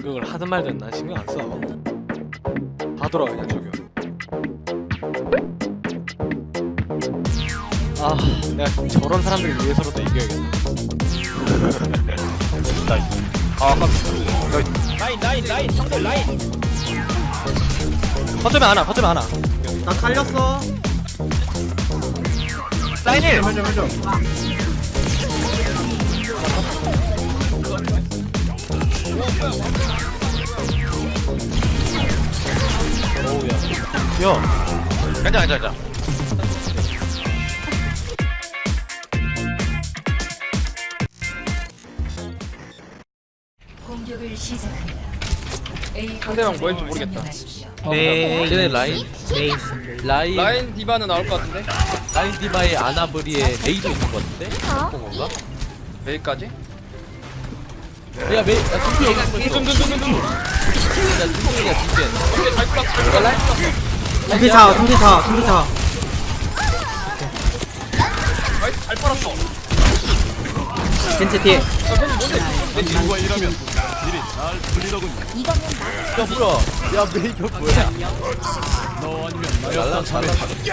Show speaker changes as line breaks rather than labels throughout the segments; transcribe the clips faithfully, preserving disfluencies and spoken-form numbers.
그걸 하든 말든 난 신경 안 써. 다 돌아가 그냥 저기요. 아, 내가 저런 사람들 위해서라도 이겨야겠다. 아,
라인 라인 라인 상대 라인.
거점에 하나, 거점에 하나.
나 살렸어.
라인 일.
오우야. 야,
괜찮아 괜찮아.
공격을 시작합니다. A
상대방 뭐 할지 모르겠다.
네.
쟤네 라인
메이.
라인
라인 디바는 나올 것 같은데?
라인 디바의 아나브리에 메이도 있는 것 같은데? 그런 건가?
메이까지?
야 메이 야 준비 여기 있어.
둠둠둠둠둠.
야 준비야 준비.
오케이 잘 쐈어. 야 라인 쐈어.
둠피사, 둠피사, 둠피사.
나이스 잘 빨았어.
벤츠 뒤에.
야 팬이 뭔데? 내 친구가 이러면.
야 뭐야? 야 메이가 뭐야? 날라 잘라.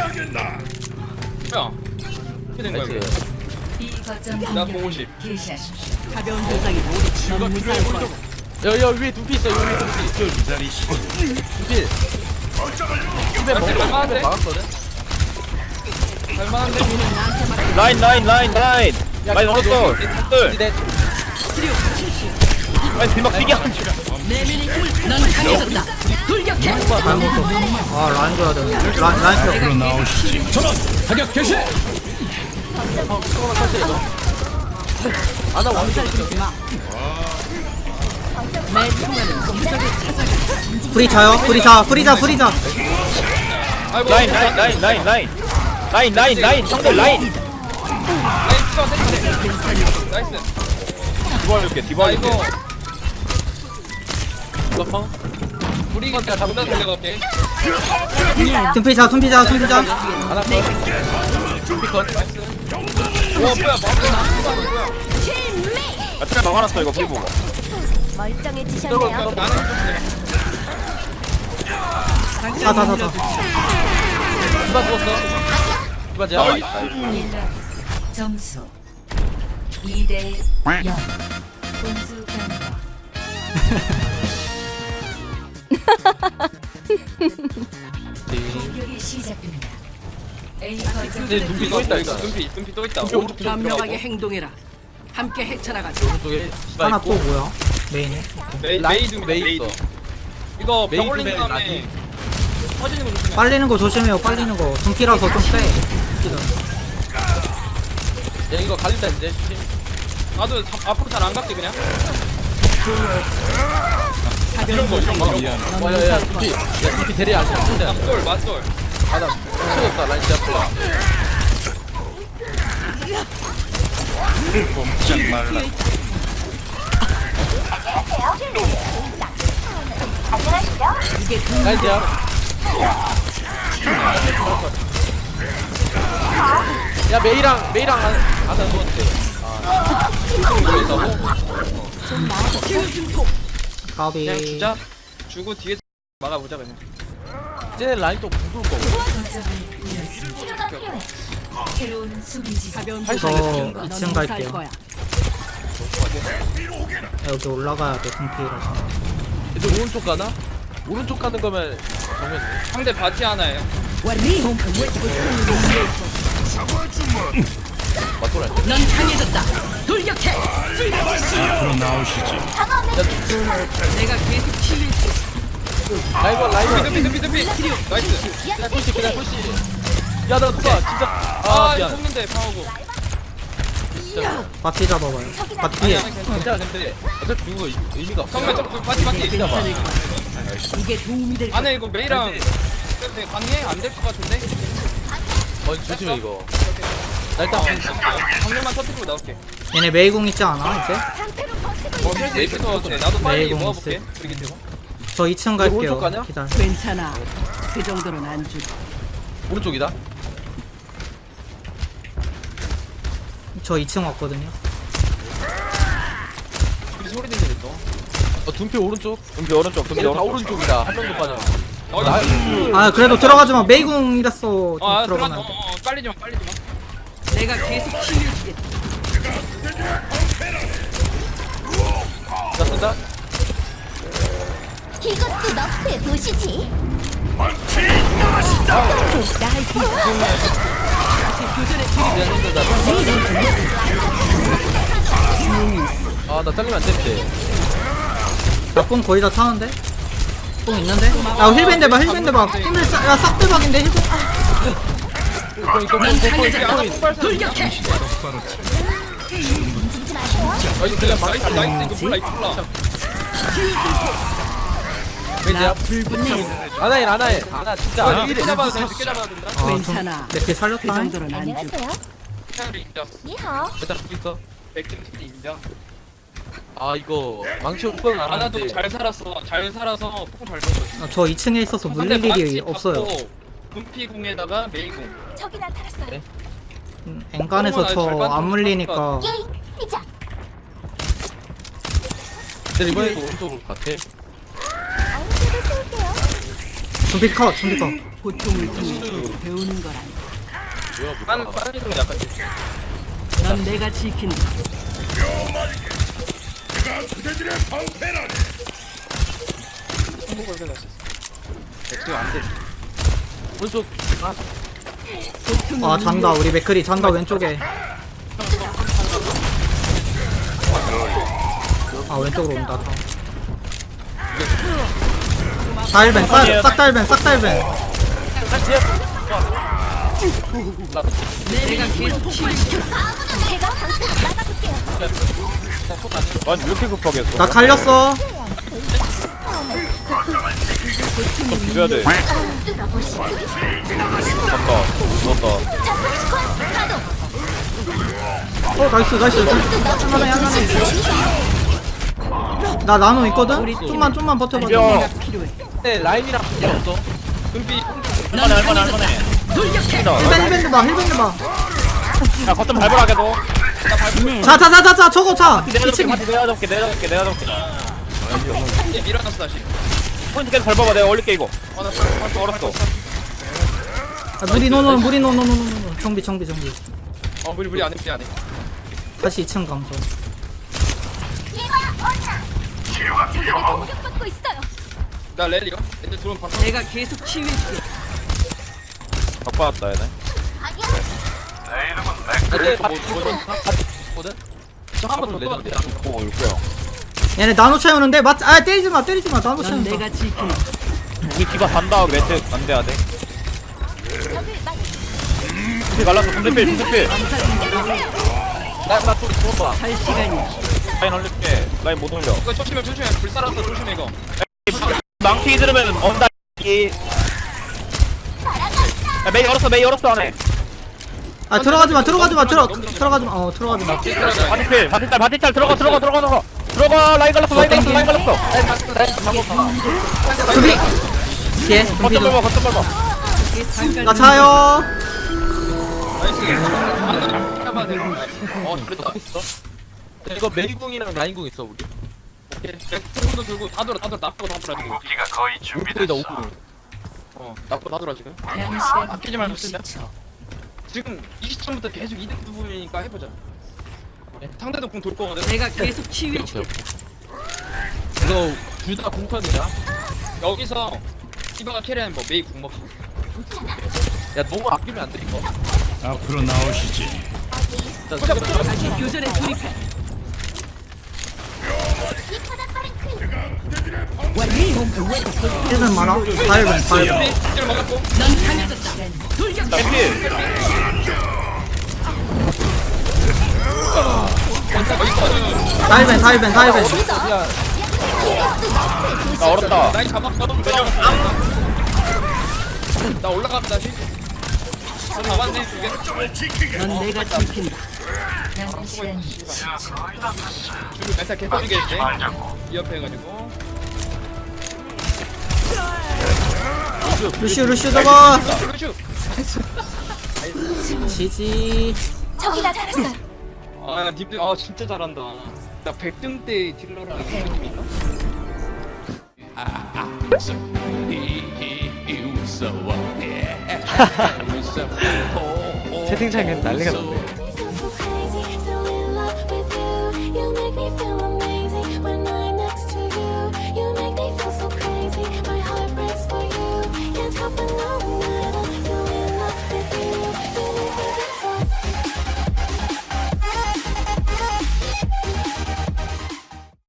야. 어떻게 된 거야 이게?
나이스.
B 거점
나
공격을
공오십.
개시하십시오.
가벼운 부상이 모두 너무 무사할 거야.
야야 위에 두피 있어 여기 두피. 두피. 집에 먹고
할만한데?
막았거든.
할만한데?
라인, 라인, 라인, 라인. 라인 오른쪽. 둘.
넷.
라인 뒷막 뛰게 하는 줄.
내면의 힘을 넌 강해졌다. 돌격해.
아, 라인 줘야 되는데. 라인, 라인 펴.
아나 왕자 있어.
내 총알은 공격을 찾아가.
프리자요? 프리자, 프리자, 프리자.
아이고
라인, 라인, 라인, 라인, 라인. 라인, 라인, 라인. 상대 라인.
라인 추가 센데. 나이스.
디바 줄게, 디바
아
줄게.
이거 우리 이거 다 잡다 달려갈게.
둠피자, 둠피자, 둠피자.
하나 더. 두피 컷.
와 뭐야 마우스 뭐야?
아, 트랩 막아놨어, 이거 프리 보고.
멀쩡해지셨네요.
나는
자, 자, 자, 자.
디바 죽었어. 디바 제압.
점수 이 대 영. 공수 변경. 공격이 시작됩니다. A 거점
네, 눈빛 또 있다 일단.
눈피 눈피 또 있다.
눈피 오른쪽
현명하게 행동해라. 함께 헤쳐나가자.
오른쪽에 디바
하나
있고.
또 뭐야? 메인에.
메이
라인
메이 둠
메이
메이
있어.
이거
메이
병 올린
둠에
다음에
라인.
터지는 거 조심해.
빨리는 거 조심해요, 빨리는 거. 둠피라서 좀 빼.
야 이거 갈린다 이제.
나도 자- 앞으로 잘 안 갈게 그냥.
가벼운 부상이
와야야 두피. 야 두피 대리 안 쳤는데.
맞돌 맞돌.
아나 치웠다 라인 제압. 라인 제압. 야 메이랑 메이랑 안 하는 건데. 아. 이거 있다고?
가비.
그냥 주자. 주고 뒤에 막아보자 그냥.
쟤네 라인 또 부술 거고.
거점을 잃었습니다. 새로운 수비지.
가벼운
저
부상이 넌
이 층
무사할
갈게요.
거야.
여기 올라가야 돼, 둠피라서.
얘들 오른쪽 가나? 오른쪽 가는 거면 정면.
상대 바티 하나예요.
맞돌아.
넌 강해졌다. 돌격해. 내가 계속 치유해 줄
라이벌 라이벌.
둠피 둠피 둠피. 나이스.
그냥 푸시 그냥 푸시. 야나 누가 진짜.
아
아
이거
미안.
속는데 파오고.
바티 잡아봐요. 바티 뒤에.
괜찮아 근데 어차피 누구 의미가 없어.
정면 좀 바티 바티.
괜찮아 봐.
이게 도움이 될 거야.
안에 이거 메이랑 근데 가능해? 안 될 것 같은데?
어 조심해 이거. 나 일단
정면만 터뜨리고 나올게.
얘네 메이공 있지 않아, 이제?
어, 메이부터 돼. 나도 빨리
메이공
모아볼게.
있을.
브리기 되고.
저 이 층 갈게요.
오른쪽 가냐?
기다려.
괜찮아. 그 정도는 안 줄.
오른쪽이다.
저 이 층 왔거든요.
우리 소리 들리네 또.
어 둠피 오른쪽.
둠피 오른쪽 둠피
둠피 다
오른쪽
오른쪽이다. 한 명도 빠져.
어,
나
아 그래도 들어가지마. 메이궁이랬어. 좀
어, 아, 들어가.
들어가면
어,
안 돼.
어, 빨리지 마, 빨리지 마.
내가 계속 치유해주겠다.
나 쓴다.
이것도 너프의 도시지.
아나 잘리면 안 되는데.
나뽕 거의 다 타는데? 뽕 있는데? 야 힐밴 대박 힐밴 대박. 힐밴 야싹 대박인데 힐밴.
이거 이거
넌
이거
강해졌다.
이거
돌격해.
아, 이거 그냥 나이스, 나이스. 이거 몰라, 이거 몰라.
나 불붙네.
아나인 아나인. 아나 진짜.
아,
아나
늦게 잡아도 돼, 늦게 잡아도 된다.
아,
괜찮아.
내게
그
살렸다.
정도는 안 주.
안녕하세요.
태양이 인정.
니하오.
일단 죽 있어.
백점 스킬 인정.
아 이거 망치 오빠는 안
아나도
하는데.
잘 살았어. 잘 살아서 폭잘 줬어.
아, 저 이 층에 있어서 물릴 일이 없어요.
분피 궁에다가 메이궁.
저기 나타났어요.
네.
음, 엔간에서 저 안 물리니까.
예이, 피자.
근데 이번에도 오른쪽으로 같아.
아무데도 쏠게요.
준비 컷 준비 컷.
고통을 통해 배우는 거란.
빤, 빤이 좀 약간.
넌 내가 지킨다.
행복을 해놨어. 백점 안 돼.
오른쪽. 아
아 잔다 우리 맥크리 잔다 왼쪽에. 아 왼쪽으로 온다. 다일벤 싹 다일벤 싹 다일벤.
내가 계속 치유해줄게.
제가 방금 나가볼게요.
아니 왜 이렇게 급하게 했어
나 갈렸어.
죽여야 돼
뚫어보시지.
잡다 죽었다
자폭 스쿼트 가동.
어 나이스 나이스. 할만해 할만해. 나 나노 있거든. 좀만 좀만 버텨봐.
죽여
내가 필요해.
근데 라인이랑 관계 없어.
분피
넌
할만해 할만해
강해졌다.
할만해
돌격해.
힐벤 힐벤 대봐 힐벤 대봐.
야 거점 밟으라 걔도
자자자자자 저거 자.
내가
이 층.
잡게 내가 잡게 내가 잡게 내가 잡게
이제 밀어놨어 다시.
포인트 계속 밟아봐 내가 올릴게 이거
어, 나
아, 얼었어
아, 무리 노노 무리 노노노노노. 정비 정비 정비.
어, 무리 무리 안 해, 무리 안 해.
다시 이 층 감소.
적에게 공격받고 있어요.
나 랠리가? 애들 들어오면 바꿔.
내가 계속 치유해줄게.
바꿔왔다 얘네
근데 뭐 뭐든 거든. 저한번더 내던데.
오 육구야
얘네 나노 채우는데 맞. 아 때리지 마 때리지 마 나노
넌
채운다.
내가 지킨다.
우리 디바 산다 매트 안돼야 돼
적을 막
근데 갈랐어 군대필 군대필
나나 또 좋아.
할 시간이야.
라인 올릴게 라인 못 올려
이거 조심해, 조심해. 불 살았어, 조심해 이거.
망치 들으면 언다 이 야, 메이 열었어 메이 열었어 안에
아 들어가지 마 들어가지 마 들어 들어가지 마. 어 들어가지 마.
바티필 바티짤 바티짤 들어가 들어가 들어가 들어가 들어가 라인 갈랐어 라인 갈랐어 라인 갈랐어
준비. 뒤에 준비
거점
좀.
밟아 거점 밟아
나 차요.
나이스. 잡아야 돼. 어, 잘했다.
이거 메이궁이랑 라인궁 있어 우리.
오케이. 백도 들고 다 돌아, 다 돌아. 나쁘고 다 돌아 지금.
오궁이다 오궁.
어, 나쁘고 다 돌아 지금.
남은 시간
아끼지 말고 쓰자.
육십 초.
지금 이 시점부터 계속 이득 부분이니까 해보자. 상대도 궁 돌 거거든.
내가 계속 치유해줄게.
이거 둘 다 공턴이야.
여기서 티바가 캐리하는 뭐 메이 궁 먹기.
야 너무 아끼면 안 돼 이거.
앞으로 나오시지.
자, 지금
다시 교전에 돌입해.
이 바닥 빠른 퀸.
힐벤 많아. 다일벤 다일벤.
힐 먹었고.
넌 강해졌다. 돌격해.
필
다일벤 다일벤 다일벤.
나 얼었다
라인 잡았어. 나 올라갑니다. 힐. 다 잡았네 두 개.
넌 내가 지킨다.
남은 시간 십 초.
줄을 멘탈 개빠지게 했네. 이 옆에 해가지고.
루슈 루슈 저거.
그렇죠.
지지.
적이 나타났어요.
아, 님들 아 진짜 잘한다. 나 백 등 때 딜러랑 느낌인가?
채팅창엔 난리가 났네.